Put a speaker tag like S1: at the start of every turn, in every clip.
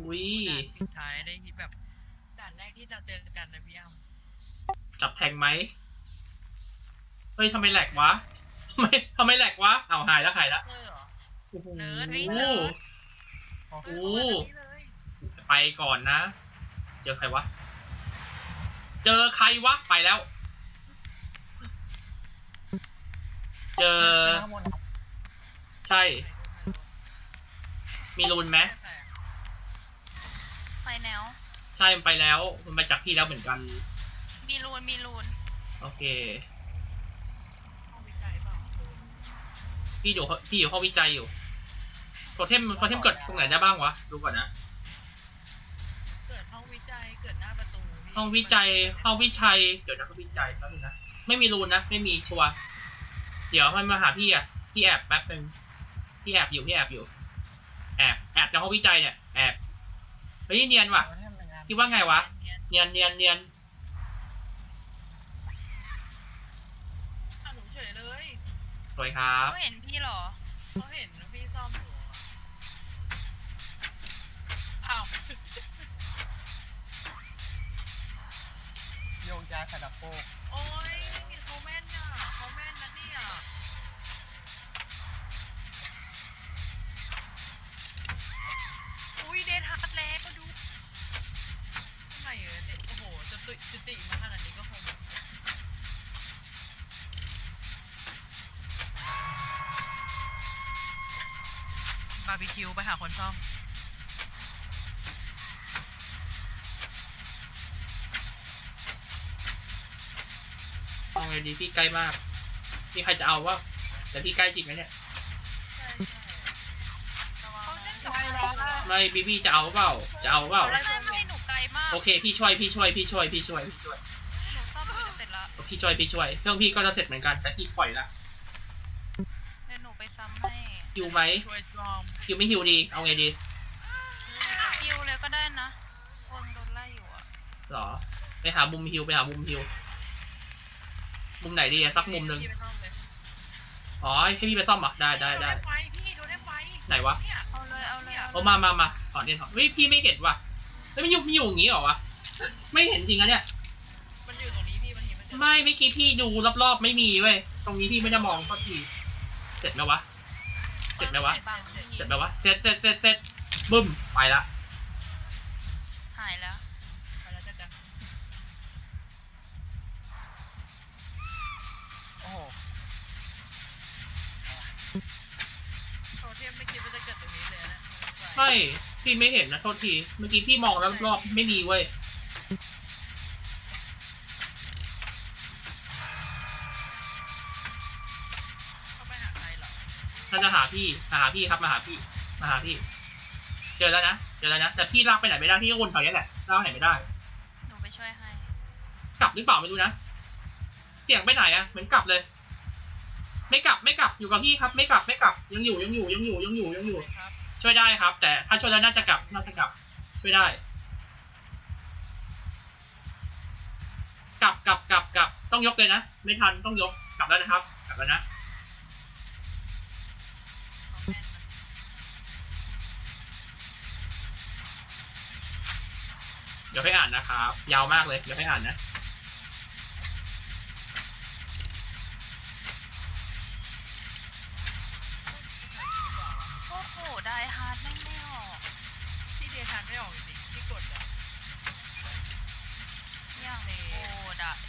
S1: อุ้ย
S2: ด่านปิดท้ายได้ที่แบบด่านแรกที่เราเจอกันนะพี่อ้ำ
S1: จับแทงไหมเฮ้ยทำไมแหลกวะทำไมแหลกวะเอาหายแล้ว
S2: เออเหรอ
S1: โอ้โห
S2: เนิร์ดพี่เนิร์ด
S1: โอ้โห
S2: เลย
S1: ไปก่อนนะ เจอใครวะ เจอใครวะไปแล้ว เจอใช่ มีรูนไหม
S3: ไปแนว
S1: ใช่มันไปแล้วมันมาจากพี่แล้วเหมือนกัน
S3: มีรูน
S1: โอเค
S2: ห้องวิจัยเปล่า
S1: พี่อยู่ห้องวิจัยอยู่โทเทมเกิดตรงไหนได้บ้างวะดูก่อนนะ
S2: เกิดห้องวิจัยเกิดหน้าประตู
S1: ห้องวิจัยเดี๋ยวนะห้องวิจัยแป๊บนึงนะไม่มีรูนนะไม่มีชัวร์เดี๋ยวมันมาหาพี่อ่ะพี่แอบแป๊บนึงพี่แอบอยู่แอบในห้องวิจัยเนี่ยแอบเฮ้ยเนียนว่ะคิดว่าไงวะเนียน
S2: หนูเฉยเลย
S1: สวยครับ
S3: เขาเห็นพี่หรอ
S2: เขาเห็นพี่ซ่อมอยู่อ้าว
S4: โยงยาสดับโปก
S2: โอ้ยเขาแม่นอ่ะเขาแม่นนะเนี่ยอุ้ยเดทฮาร์ดแล้วก็ดูทำไมเด็กโอ้โหจุติมาขนาดนี้ก็คงบาร์บีคิวไปหาคนซ่อม
S1: เอาไงดีพี่ใกล้มากมีใครจะเอาวะแต่พี่ใกล้จริงไหมเนี่ยไม่พี่จะเอาเปล่า
S3: ไม่หนูไกลมาก
S1: โอเคพี่ช่วย
S3: หนูซ่อมอยู่เสร็จแล้ว
S1: พี่ช่วยเครื่องพี่ก็จะเสร็จเหมือนกันแต่พี่ปล่อยละ
S3: เดี๋ยวหนูไปซ้ำให้
S1: ฮิวไหมฮิวไม่ฮิวดีเอาไงดี
S3: ฮิวเลยก็ได้นะวงโดนไล่อยู่อะ
S1: หรอไปหามุมฮิวมุมไหนดีสักมุมหนึ่งอ๋อให้พี่ไปซ่อมอ่ะได้
S2: พี่ดูได้ไฟ
S1: ไหนวะ
S3: เอาเลย
S1: มาถอนเฮ้ยพี่ไม่เห็นว่ะแล้วมันอยู่อย่างงี้เหรอวะไม่เห็นจริงอะเนี่ย
S2: มันอยู่ตรงนี้พี่มัน
S1: ไม่เมื่อกี้พี่ดูรอบๆไม่มีเว้ยตรงนี้พี่ไม่ได้มองสักทีเสร็จไหมวะเสร็จบึ้มไปละ
S3: หายแล้ว
S2: ไปแล้วจ้ะ
S4: โอ้โห
S2: โทเทมไม่คิดว่าจะเกิดตรงนี้เลยนะ
S1: ไม่พี่ไม่เห็นนะโทษทีเมื่อกี้พี่มองแล้วรอบไม่มีเว้ย
S2: เขาไปหาใครหรอ
S1: ถ้าจะหาพี่ครับมาหาพี่เจอแล้วนะแต่พี่ลากไปไหนไม่ได้พี่ก็วนแถวนี้แหละลากไหนไม่ได้
S3: หนูไปช่วยให้
S1: กลับหรือเปล่าไม่รู้นะเสียงไปไหนอะเหมือนกลับเลยไม่กลับอยู่กับพี่ครับไม่กลับยังอยู่ช่วยได้ครับแต่ถ้าช่วยแล้วน่าจะกลับช่วยได้กลับต้องยกเลยนะไม่ทันต้องยกกลับแล้วนะครับกลับแล้วนะเดี๋ยวให้อ่านนะครับยาวมากเลยเดี๋ยวให้อ่านนะ
S3: โอ้โหได้ฮาร์ดไม่ออก
S2: ที่เดทานไม่ออกจริงที่กดอ่ะ
S3: ย่างโคดะ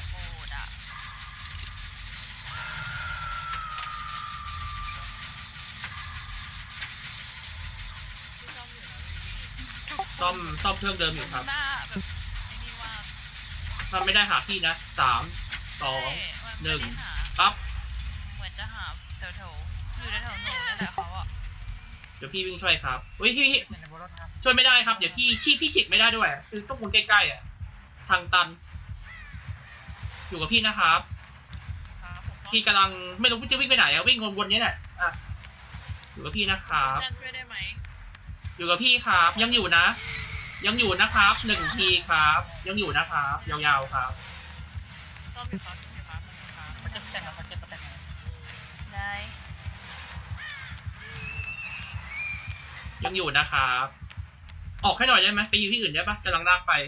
S1: ซ่อมเครื่องเดิมอยู่ครับ
S3: หน้าแบบไอ้นี่ว่า
S1: มันไม่ได้หาพี่นะ3 2 1ปั๊บ
S3: เหมือนจะหาแถวอยู่แถวหนูนั่นแหละเขาอะ
S1: เดี๋ยวพี่วิ่งช่วยครับพี่ช่วยไม่ได้ครับเดี๋ยวพี่ฉีกไม่ได้ด้วยคือต้องวนใกล้ๆอ่ะทางตันอยู่กับพี่นะครับพี่กำลังไม่รู้จะวิ่งไปไหนอะวิ่งวนๆนี้แหละอยู่กับพี่นะครับ
S2: ช่วยได้ไหม
S1: อยู่กับพี่ครับยังอยู่นะครับ1 ทีครับยังอยู่นะครับยาวๆครับ
S2: ต้องมีครับ
S4: มันจะแต่งมันเก็บ
S3: ได้
S1: ยังอยู่นะครับออกให้หน่อยได้ไหมไปยืนที่อื่นได้ปะกำลังลากไป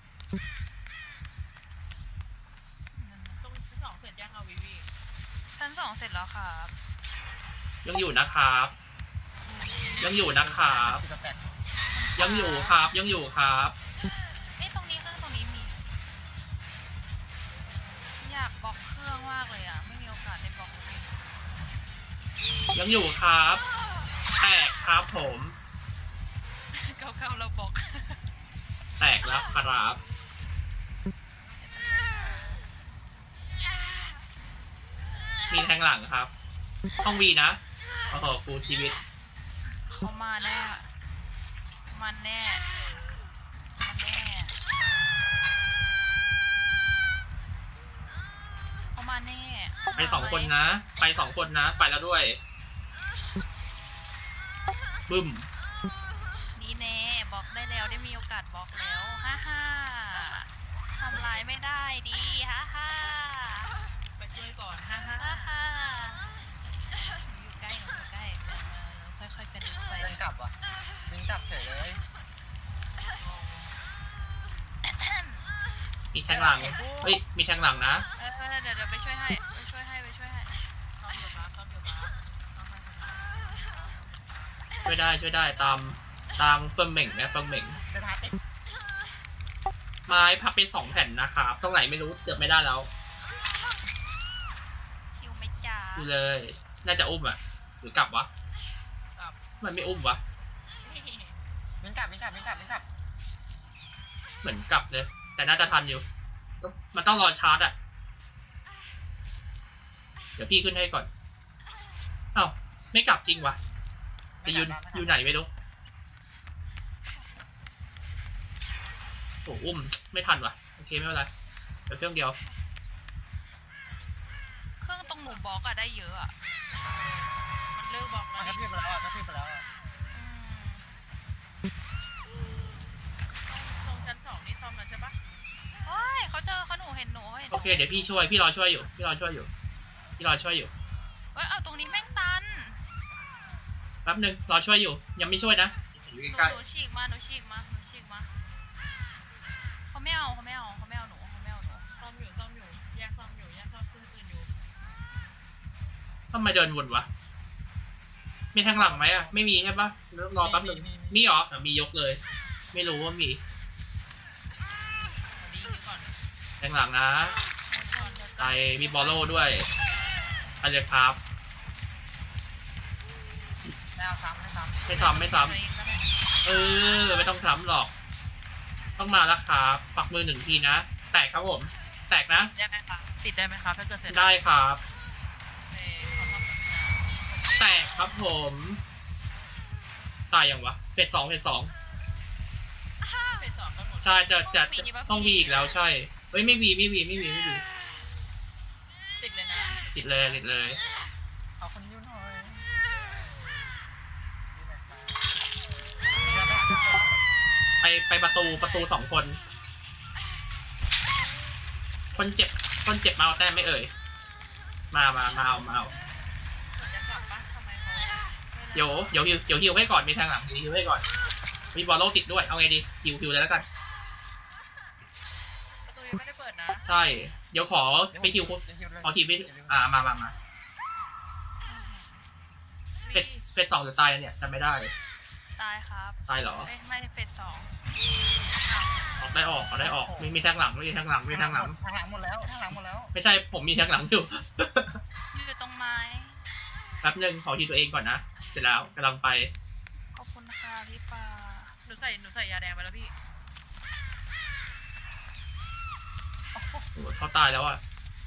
S2: ตรงชั้นสองเสร็จยังเอาวิวี
S3: ชั้นสองเสร็จแล้วครับ
S1: ยังอยู่นะครับ ยังอยู่นะครับ
S4: สแต็ก
S1: ยังอยู่ครับยังอยู่ครับ
S3: เอ้ยตรงนี้เครื่องตรงนี้มี อยากบล็อกเครื่องมากเลยอ่ะ ไม่มีโอกาสได้บล็อกเลย
S1: ยังอยู่ครับแตกครับผม
S3: เก่าๆเราบล็อก
S1: แตกแล้วครับ มีแทงหลังครับห้องวีนะโอ้โหกูชีวิต
S3: เขามาแน่ มันแน่ มันแน่เขามาแน่
S1: ไปสองคนนะ ไปสองคนนะ ไปแล้วด้วย บึ้ม
S3: ดีแน่บล็อกได้แล้วได้มีโอกาสบล็อกแล้วฮ่าฮ่าทำลายไม่ได้ดีฮ่าฮ่า
S2: ไปช่วยก่อนฮ่าฮ่า
S3: ฮ่าฮ่าหนูอยู่ใกล้หนูอยู่ใกล้ค่อยๆกระดึ๊บไป
S4: เดินกลับว่ะวิ่งกลับเฉยเลย
S1: มีแทงหลัง เฮ้ย มีแทงหลังนะ
S3: เดี๋ยวไปช่วยให้ไปช่วยให้
S2: ซ้อมอยู่มาซ้อมอยู่มาเอาให้
S1: ช่วยได้ตามเฟิร์มเหม่งนะเฟิร์มเหม่ง
S4: เดินหาติด
S1: ไม้พับเป็น2 แผ่นนะครับ ตรงไหนไม่รู้เกือบไม่ได้แล้ว
S3: คิวไม่จ้า
S1: ดูเลย น่าจะอุ้มอ่ะ หรือกลับวะ
S2: กลับ
S1: มันไม่อุ้มวะ
S4: วิ่งกลับวิ่งกลับวิ่งกลับวิ่งกลับ
S1: เหมือนกลับเลย แต่น่าจะทันอยู่ มันต้องรอชาร์จอ่ะ เดี๋ยวพี่ขึ้นให้ก่อน เอ้าไม่กลับจริงวะไปอยู่ไหนไม่รู้โอ้อุ้มไม่ทันวะโอเคไม่เป็นไรเดี๋ยวเครื่องเดียว
S3: เครื่องตรงหนูบล็อกอะได้เยอะอะ
S2: มันเลิกบอก
S4: มั
S2: แล้
S4: น
S2: ว
S4: กระพริบไปแล้วอ่ะกระพริบไปแล้วอ่ะ
S2: ตรงชั้นสองนี่ซ่อมแล้วใช่ปะ
S3: โอ้ยเขาเจอเขาหนูเห็นหนูเขาเห็นห
S1: โอ
S3: นู
S1: เคเดี๋ยวพี่ช่วยพี่รอช่วยอยู่เ
S3: เอ้ยเอาตรงนี้แม่งตัน
S1: แป๊บนึงรอช่วยอยู่ยังไม่ช่วยนะอยู่
S3: หนู
S1: ใกล้
S3: หนูฉีกมาเขาไม่เอาหนู
S2: ซ่อมอยู่แยกซ่อมอยู่แยกซ่อมเครื่องอื่นอยู่
S1: ๆทำไมเดินวนวะมีแทงหลังไหมอ่ะไม่มีใช่ปะรอแป๊บนึงมีเหรอมียกเลย ไม่รู้ว่ามี
S2: ดีอยู่ก่อน
S1: แทงหลังนะไปมีบอลโล่ด้วยไปเลยครับ
S4: ไม่เอาซ้ำไม่ซ้ำ
S1: ไม่ซ้ำไม่ต้องซ้ำหรอก ต้องมาแล้วครับปักมือ1 ทีนะแตกครับผม แตกนะ
S2: ได้ไหมคะติดได้ไหมคะถ้าเกิดเสร็จ
S1: ได้ครับ
S2: ขอซ่อมแบบนี้นะ
S1: แตกครับผม ตายยังวะเฟส 2
S2: เฟสสองกันหมด
S1: ใช่จะต้องวีอีกแล้วใช่เฮ้ยไม่วี
S2: ติดเลยนะ
S1: ติดเลย
S4: เอาคนยิ้วหน่อย
S1: ไปประตู2 คน คนเจ็บมาเอาแต้มไม่เอ่ยมาเอา
S2: จะกลับปะทำไมเขา
S1: เดี๋ยวฮิวให้ก่อนมีทางหลังฮิวให้ก่อนมีบอลโลติดด้วยเอาไงดีฮิวเลยแล้วกัน
S2: ประตูยังไม่ได้เปิดนะ
S1: ใช่เดี๋ยวขอไปฮิวขอทีไปมาเฟส 2หรือตายเนี่ยจำไม่ได้
S3: ตายครับ
S1: ตายเหรอ
S3: ไม่เฟส 2
S1: ออกได้ออกมีแทงหลังมีแทงหลัง
S4: ทางหลังหมดแล้วทางหลังหมดแล้ว
S1: ไม่ใช่ผมมีแทงหลังอยู่
S3: อยู่ตรงไม้
S1: แป๊บนึงขอทีตัวเองก่อนนะเสร็จแล้วกำลังไป
S3: ขอบคุณค่ะพี่ปา
S2: หนูใส่ยาแดงไปแล้วพี่
S1: โอ้โหเขาตายแล้วอ่ะ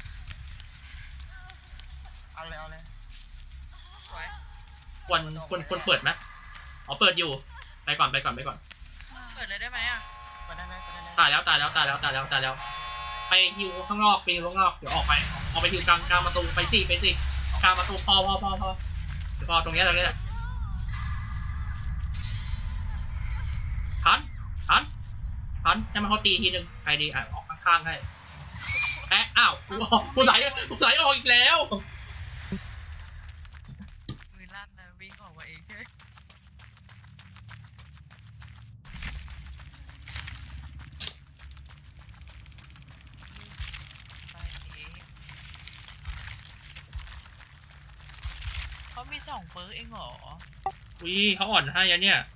S4: เอาเลย
S2: สวย
S1: ควรเปิดไหมอ๋อเปิดอยู่ไปก่อน
S2: เปิดเลยได้ไหมอ่ะ
S4: ไปได้เลย
S1: ตายแล้วไปฮิวข้างนอกเดี๋ยวออกไปฮิวกลางประตูไปสิกลางประตูพอเดี๋ยวพอตรงนี้แหละทันให้มันเขาตีทีนึงใครดีออกข้างๆให้อ้าวกูไหลออกอีกแล้ว
S2: มือลั่นนะวิ่งออกมาเองใช่ไหมเขามี2 เปิร์กเองเหรอ
S1: อุ้ยเขาอ่อนให้อะเนี่ย